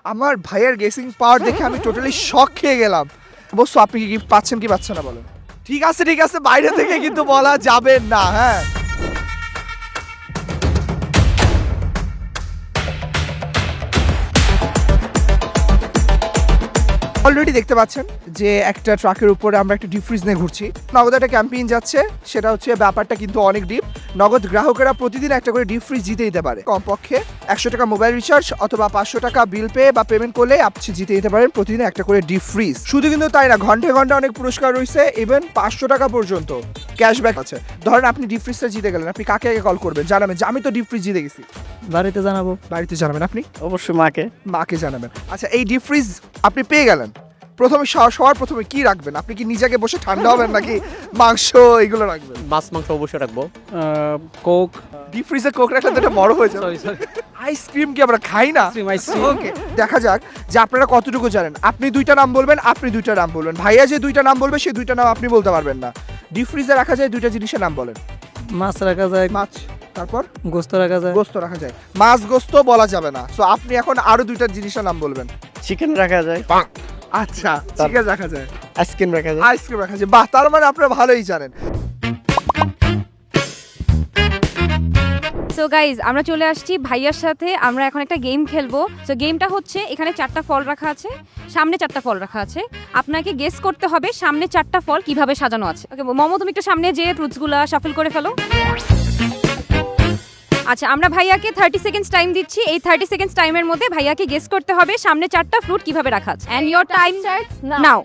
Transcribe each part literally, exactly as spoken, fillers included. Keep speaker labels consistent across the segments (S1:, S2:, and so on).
S1: আমার ভাইয়ের গেসিং পাওয়ার দেখে আমি টোটালি শক খেয়ে গেলাম। অবশ্য আপনি কি গিফট পাচ্ছেন কি পাচ্ছেন না বলেন? ঠিক আছে ঠিক আছে, বাইরে থেকে কিন্তু বলা যাবে না। হ্যাঁ, অলরেডি দেখতে পাচ্ছেন যে একটা ট্রাকের উপরে আমরা একটা ডিপ ফ্রিজ নিয়ে ঘুরছি। নগদ একটা ক্যাম্পেইন যাচ্ছে, সেটা হচ্ছে ব্যাপারটা কিন্তু অনেক ডিপ। নগদ গ্রাহকেরা প্রতিদিন একটা করে ডিপ ফ্রিজ জিতে দিতে পারে। কমপক্ষে একশো টাকা মোবাইল রিচার্জ অথবা পাঁচশো টাকা বিল পে বা পেমেন্ট করলে আপনি জিতে দিতে পারেন প্রতিদিন একটা করে ডিপ ফ্রিজ। শুধু কিন্তু তাই না, ঘন্টায় ঘন্টা অনেক পুরস্কার রয়েছে, ইভেন পাঁচশো টাকা পর্যন্ত ক্যাশব্যাক আছে। ধরেন আপনি ডিপ ফ্রিজটা জিতে গেলেন, আপনি কাকে আগে কল করবেন? জানাবেন যে আমি তো ডিপ ফ্রিজ জিতে গেছি।
S2: বাড়িতে জানাবো।
S1: বাড়িতে জানাবেন আপনি?
S2: অবশ্যই মাকে।
S1: মাকে জানাবেন। আচ্ছা, এই ডিপ ফ্রিজ আপনি পেয়ে গেলেন, প্রথমে সবার সবার প্রথমে কি রাখবেন? আপনি কি নিজেকে বসে ঠান্ডা হবেন নাকি মাংস এগুলো রাখবেন?
S2: মাছ মাংস অবশ্যই রাখবো। কোক।
S1: ডিপ ফ্রিজে কোক রাখলে তো এটা বড় হয়ে যাবে।
S2: সরি সরি
S1: আইসক্রিম কি আমরা খাই না?
S2: আইসক্রিম।
S1: ওকে, দেখা যাক যে আপনারা কতটুকু জানেন। আপনি দুইটা নাম বলবেন, আপনি দুইটা নাম বলবেন। ভাইয়া যে দুইটা নাম বলবে সেই দুইটা নাম আপনি বলতে পারবেন না। ডিপ ফ্রিজে রাখা যায় দুইটা জিনিসের নাম বলেন।
S2: মাছ রাখা যায়,
S1: মাছ, তারপর
S2: গোস্ত রাখা যায়।
S1: গোস্ত রাখা যায়। মাছ গোস্ত বলা যাবে না, সো আপনি এখন আরো দুইটা জিনিসের নাম বলবেন।
S2: চিকেন রাখা যায়,
S1: আচ্ছা, চিকেন রাখা যায়,
S2: আইসক্রিম রাখা যায়।
S1: আইসক্রিম রাখা যায়। বাহ, তার মানে আপনারা ভালোই জানেন।
S3: সো গাইজ, আমরা চলে আসছি ভাইয়ার সাথে। আমরা এখন একটা গেম খেলবো। সো গেমটা হচ্ছে, এখানে চারটা ফল রাখা আছে, সামনে চারটা ফল রাখা আছে। আপনাকে গেস করতে হবে সামনে চারটা ফল কিভাবে সাজানো আছে। ওকে মমো, তুমি একটু সামনে যেয়ে ফ্রুটসগুলো শাফল করে ফেলো। আচ্ছা, আমরা ভাইয়াকে থার্টি সেকেন্ডস টাইম দিচ্ছি। এই থার্টি সেকেন্ডস টাইমের মধ্যে ভাইয়াকে গেস করতে হবে সামনে চারটা ফ্রুট কিভাবে রাখা আছে। And your time now.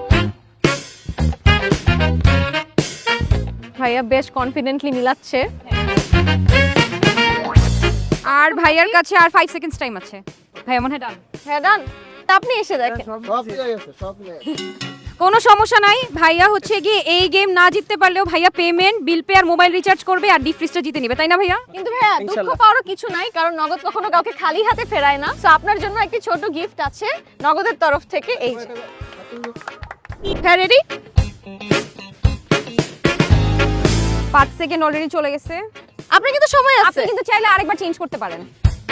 S4: ভাইয়া বেশ কনফিডেন্টলি মিলাচ্ছে।
S3: আর ভাইয়ার কাছে আর ফাইভ সেকেন্ডস টাইম আছে। ভাইয়া মনে হয় ডান।
S4: হ্যাঁ ডান। তা আপনি এসে দেখেন।
S3: কোনো সমস্যা নাই। ভাইয়া হচ্ছে গিয়ে এই গেম না জিততে পারলেও ভাইয়া পেমেন্ট, বিল পে আর মোবাইল রিচার্জ করবে আর ডিপ ফ্রিজটা জিতে নেবে, তাই না ভাইয়া?
S4: কিন্তু ভাইয়া দুঃখ পাওয়ারও কিছু নাই, কারণ নগদ কখনো কাউকে খালি হাতে ফেরায় না। সো আপনার জন্য একটি ছোট গিফট আছে নগদের তরফ থেকে। এই যে।
S3: হ্যাঁ, রেডি? পাঁচ সেকেন্ড অলরেডি চলে গেছে।
S4: আপনার কিন্তু সময় আছে।
S3: আপনি কিন্তু চাইলে আরেকবার চেঞ্জ করতে পারেন।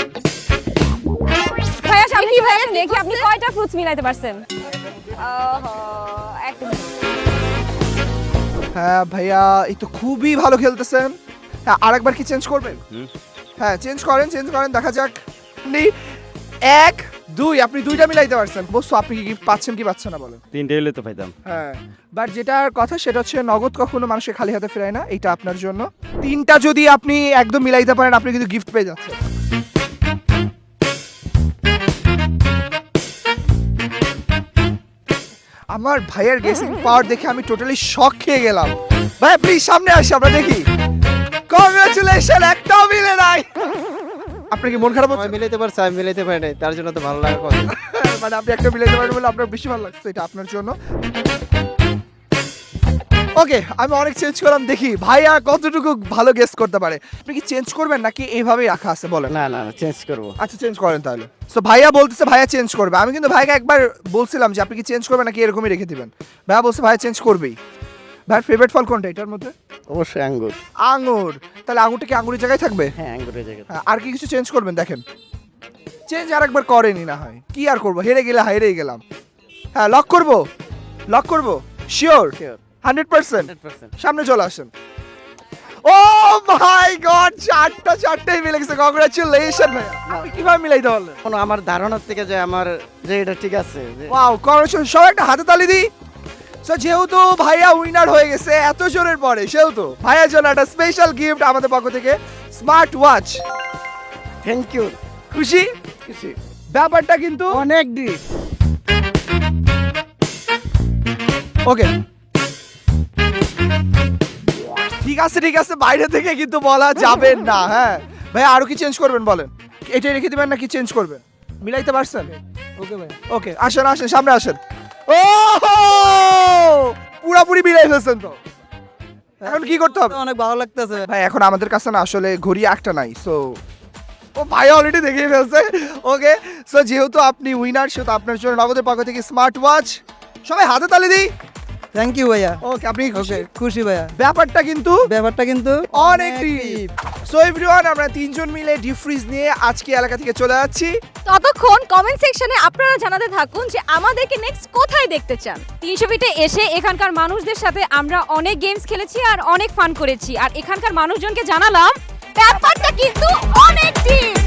S3: ভাইয়া সামনে
S4: কি
S3: কি
S4: ভাইয়া
S3: ভাইয়া দেখি আপনি কয়টা ফ্রুটস মিলাইতে পারছেন। ওহো, এক
S1: হ্যাঁ ভাইয়া, এই তো খুবই ভালো খেলতেছেন। হ্যাঁ, আরেকবার কি চেঞ্জ করবেন? হ্যাঁ, চেঞ্জ করেন, চেঞ্জ করেন, দেখা যাক। আপনি এক দুই, আপনি দুইটা মিলাইতে পারছেন। বস্তু আপনি কি গিফট পাচ্ছেন কি পাচ্ছেন না বলেন?
S2: তিনটে হলে তো পাইতাম।
S1: হ্যাঁ, বাট যেটার কথা সেটা হচ্ছে নগদ কখনো মানুষকে খালি হাতে ফেরায় না, এটা আপনার জন্য। তিনটা যদি আপনি একদম মিলাইতে পারেন, আপনি কিন্তু গিফট পেয়ে যাচ্ছেন। আমার ভাইয়ের গেসিং পাওয়ার দেখে আমি টোটালি শক খেয়ে গেলাম। ভাই প্লিজ সামনে আসি, আমরা দেখি। কংগ্রাচুলেশন, একটাও মিলে নাই। আপনার কি মন খারাপ হচ্ছে?
S5: মিলাইতে পারছে, আমি মিলাইতে পারি নাই, তার জন্য তো ভালো লাগার কথা।
S1: মানে আপনি একটা মিলাইতে পারেন বলে আপনার বেশি ভালো লাগছে, এটা আপনার জন্য। ওকে, আমি অনেক চেঞ্জ করলাম, দেখি ভাইয়া কতটুকু ভালো গেস করতে পারে। আপনি কি চেঞ্জ করবেন নাকি এইভাবেই রাখা আছে বলেন?
S5: না না চেঞ্জ করবো।
S1: আচ্ছা, চেঞ্জ করেন তাহলে। সো ভাইয়া বলতেছে ভাইয়া চেঞ্জ করবে। আমি কিন্তু ভাইকে একবার বলছিলাম যে আপনি কি চেঞ্জ করবেন নাকি এরকমই রেখে দিবেন। ভাইয়া বলছে ভাইয়া চেঞ্জ করবেই। ভাইয়ের ফেভারিট ফল কোনটা এটার মধ্যে?
S5: অবশ্যই আঙ্গুর।
S1: আঙুর। তাহলে আঙুরটা কি আঙুরের জায়গায় থাকবে?
S5: হ্যাঁ আঙ্গুরের জায়গা।
S1: হ্যাঁ, আর কি কিছু চেঞ্জ করবেন? দেখেন, চেঞ্জ আর একবার করেনি, না হয় কি আর করবো, হেরে গেলে হেরেই গেলাম। হ্যাঁ, লক করবো, লক করবো, শিওর হান্ড্রেড পার্সেন্ট। সামনে চলে আসেন। ও মাই গড, চারটা চারটাই মিলে গেছে। কংগ্রাচুলেশন ভাইয়া, আপনি কিভাবে মিলাইতে পারলেন?
S5: কোনো আমার ধারণার থেকে যে আমার যে এটা ঠিক আছে যে-
S1: ওয়াও, কংগ্রাচুলেশন। সবাই একটা হাতে তালি দিই। সো যেহেতু ভাইয়া উইনার হয়ে গেছে এত জোরের পরে, সেহেতু ভাইয়ার জন্য একটা স্পেশাল গিফট আমাদের পক্ষ থেকে, স্মার্ট ওয়াচ।
S5: Thank you.
S1: খুশি?
S5: খুশি।
S1: ব্যাপারটা কিন্তু
S5: অনেক ডিপ।
S1: ওকে, ঠিক আছে ঠিক আছে, বাইরে থেকে কিন্তু বলা যাবে না। হ্যাঁ ভাই, আরো কি চেঞ্জ করবেন বলেন? এটাই রেখে দিবেন নাকি চেঞ্জ করবেন? মিলাইতে পারছেন?
S2: ওকে ভাই।
S1: ওকে, আসেন আসেন, সামনে আসেন। ও পুরাপুরি মিলাই ফেলছেন তো। এখন কি করতে হবে?
S2: অনেক ভালো লাগতেছে
S1: ভাই এখন আমাদের কাছে না আসলে ঘড়ি একটা নাই, সো ও ভাই অলরেডি দেখিয়ে ফেলছে। ওকে, সো যেহেতু আপনি উইনার, সেহেতু আপনার জন্য নগদের পক্ষ থেকে স্মার্ট ওয়াচ। সবাই হাতে তালি দিই।
S2: থ্যাংক ইউ ভাইয়া
S1: ওকে আপনি খুশি?
S2: ওকে খুশি ভাইয়া
S1: ব্যাপারটা কিন্তু
S2: ব্যাপারটা কিন্তু
S1: অনেক ডিপ। সো এভরিওয়ান, আমরা তিনজন মিলে ডিপ ফ্রিজ নিয়ে আজকে এলাকা থেকে চলে যাচ্ছি।
S4: ততক্ষণ কমেন্ট সেকশনে আপনারা জানাতে থাকুন যে আমাদেরকে নেক্সট কোথায় দেখতে চান।
S3: তিনশো ফিটে এসে এখানকার মানুষদের সাথে আমরা অনেক গেমস খেলেছি আর অনেক ফান করেছি, আর এখানকার মানুষজনকে জানালাম
S4: ব্যাপারটা কিন্তু অনেক ডিপ।